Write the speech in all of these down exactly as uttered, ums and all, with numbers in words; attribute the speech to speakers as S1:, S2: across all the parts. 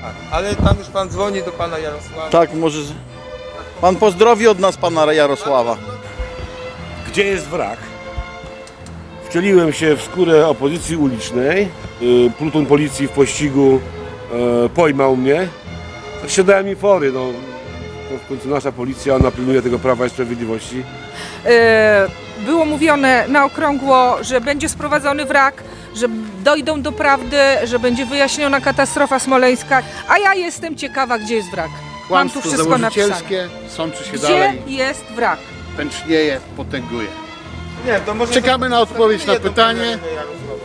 S1: Ale tam już pan dzwoni do pana Jarosława.
S2: Tak, może... Pan pozdrowi od nas pana Jarosława.
S3: Gdzie jest wrak? Wcieliłem się w skórę opozycji ulicznej. Yy, Pluton policji w pościgu yy, pojmał mnie. Tak się dałem mi fory. No. To w końcu nasza policja, ona pilnuje tego Prawa i Sprawiedliwości.
S4: Było mówione na okrągło, że będzie sprowadzony wrak, że dojdą do prawdy, że będzie wyjaśniona katastrofa smoleńska, a ja jestem ciekawa, gdzie jest wrak. Mam tu
S5: Kłamstwo
S4: wszystko napisane.
S5: założycielskie, sączy się
S4: Gdzie
S5: dalej,
S4: jest wrak?
S5: pęcznieje, potęguje.
S1: Nie, to może
S5: Czekamy na odpowiedź na
S1: to
S5: pytanie.
S1: Jarosława.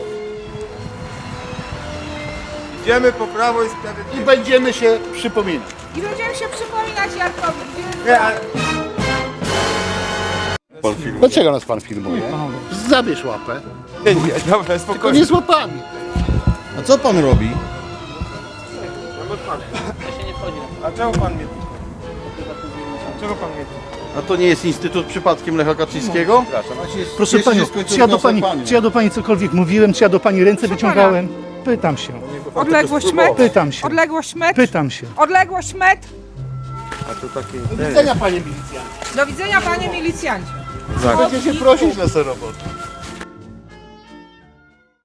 S1: Idziemy po Prawo i
S5: I
S1: Sprawiedliwość.
S5: będziemy się przypominać.
S4: I będziemy się przypominać Jarkowi, gdzie
S1: Nie, ale...
S5: Dlaczego nas pan filmuje? Zabierz łapę.
S1: nie, nie, dobra,
S5: Tylko
S1: spokojnie.
S5: nie z łapami.
S2: A co pan robi?
S1: A czemu pan mnie... Czego pan mnie...
S2: A to nie jest Instytut przypadkiem Lecha Kaczyńskiego?
S6: Proszę Panią, czy ja, do pani, czy ja do Pani cokolwiek mówiłem, czy ja do Pani ręce wyciągałem? Pytam się,
S4: Odległość metr?
S6: pytam się,
S4: Odległość metr?
S6: pytam się.
S4: Odległość metr?
S5: Do widzenia panie milicjancie.
S4: Do widzenia, panie milicjancie.
S5: Będziecie prosić na tę robotę.